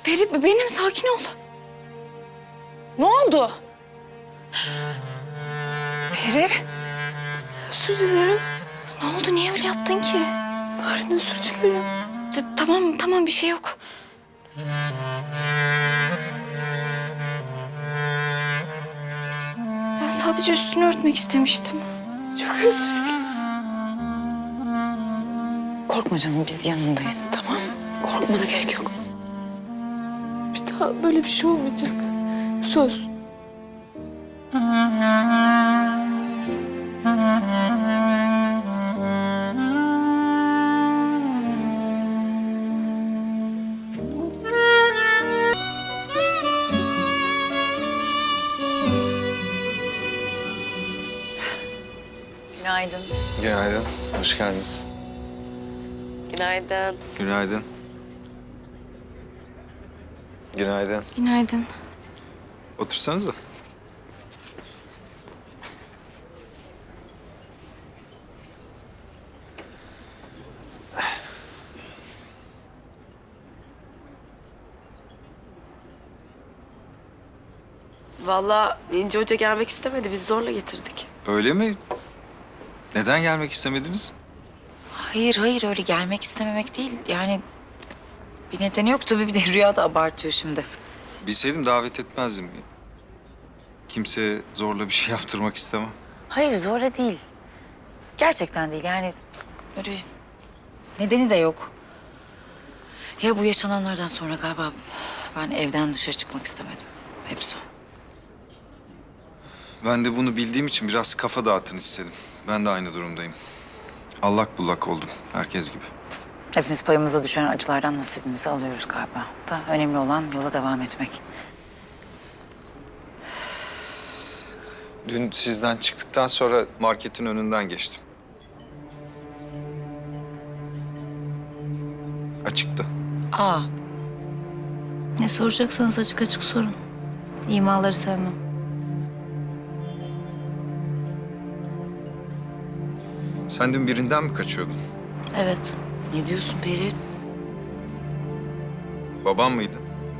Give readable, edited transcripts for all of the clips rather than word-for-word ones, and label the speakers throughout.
Speaker 1: Peri benim, sakin ol.
Speaker 2: Ne oldu?
Speaker 1: Peri. Özür dilerim. Ne oldu, niye öyle yaptın ki?
Speaker 2: Narin özür dilerim.
Speaker 1: Tamam bir şey yok. Ben sadece üstünü örtmek istemiştim.
Speaker 2: Çok özür dilerim. Korkma canım, biz yanındayız, tamam mı? Korkmana gerek yok. Bir daha böyle bir şey olmayacak. Söz.
Speaker 3: Günaydın.
Speaker 4: Günaydın, hoş geldiniz.
Speaker 3: Günaydın.
Speaker 4: Günaydın. Günaydın.
Speaker 1: Günaydın.
Speaker 4: Otursanıza.
Speaker 3: Vallahi İnce Hoca gelmek istemedi. Biz zorla getirdik.
Speaker 4: Öyle mi? Neden gelmek istemediniz?
Speaker 5: Hayır öyle gelmek istememek değil. Yani bir nedeni yok tabii, bir de Rüya da abartıyor şimdi.
Speaker 4: Bilseydim davet etmezdim. Kimseye zorla bir şey yaptırmak istemem.
Speaker 5: Hayır zorla değil. Gerçekten değil yani öyle bir nedeni de yok. Ya bu yaşananlardan sonra galiba ben evden dışarı çıkmak istemedim. Hepsi o.
Speaker 4: Ben de bunu bildiğim için biraz kafa dağıtın istedim. Ben de aynı durumdayım. Allak bullak oldum, herkes gibi.
Speaker 5: Hepimiz payımıza düşen acılardan nasibimizi alıyoruz galiba. Da önemli olan yola devam etmek.
Speaker 4: Dün sizden çıktıktan sonra marketin önünden geçtim. Açıktı.
Speaker 5: Aa. Ne soracaksanız açık açık sorun. İmaları sevmem.
Speaker 4: Sen dün birinden mi kaçıyordun?
Speaker 5: Evet. Ne diyorsun Peri?
Speaker 4: Babam mıydı?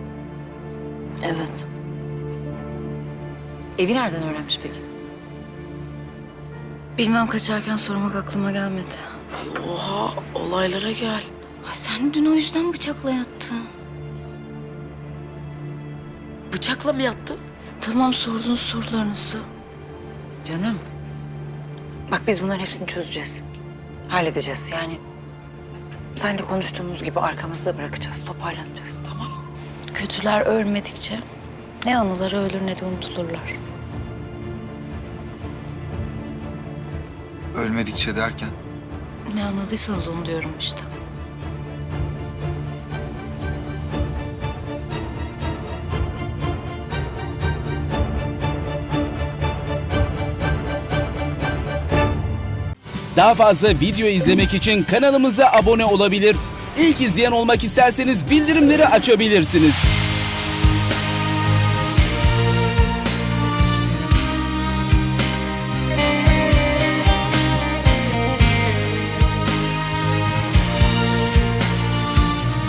Speaker 5: Evet. Evi nereden öğrenmiş peki? Bilmem, kaçarken sormak aklıma gelmedi.
Speaker 3: Oha, olaylara gel.
Speaker 1: Ha, sen dün o yüzden bıçakla yattın.
Speaker 3: Bıçakla mı yattın?
Speaker 5: Tamam, sordunuz sorularınızı. Canım. Bak biz bunların hepsini çözeceğiz. Halledeceğiz yani. Seninle konuştuğumuz gibi arkamızda bırakacağız, toparlanacağız, tamam mı? Kötüler ölmedikçe ne anıları ölür ne de unutulurlar.
Speaker 4: Ölmedikçe derken?
Speaker 5: Ne anladıysanız onu diyorum işte.
Speaker 6: Daha fazla video izlemek için kanalımıza abone olabilir. İlk izleyen olmak isterseniz bildirimleri açabilirsiniz.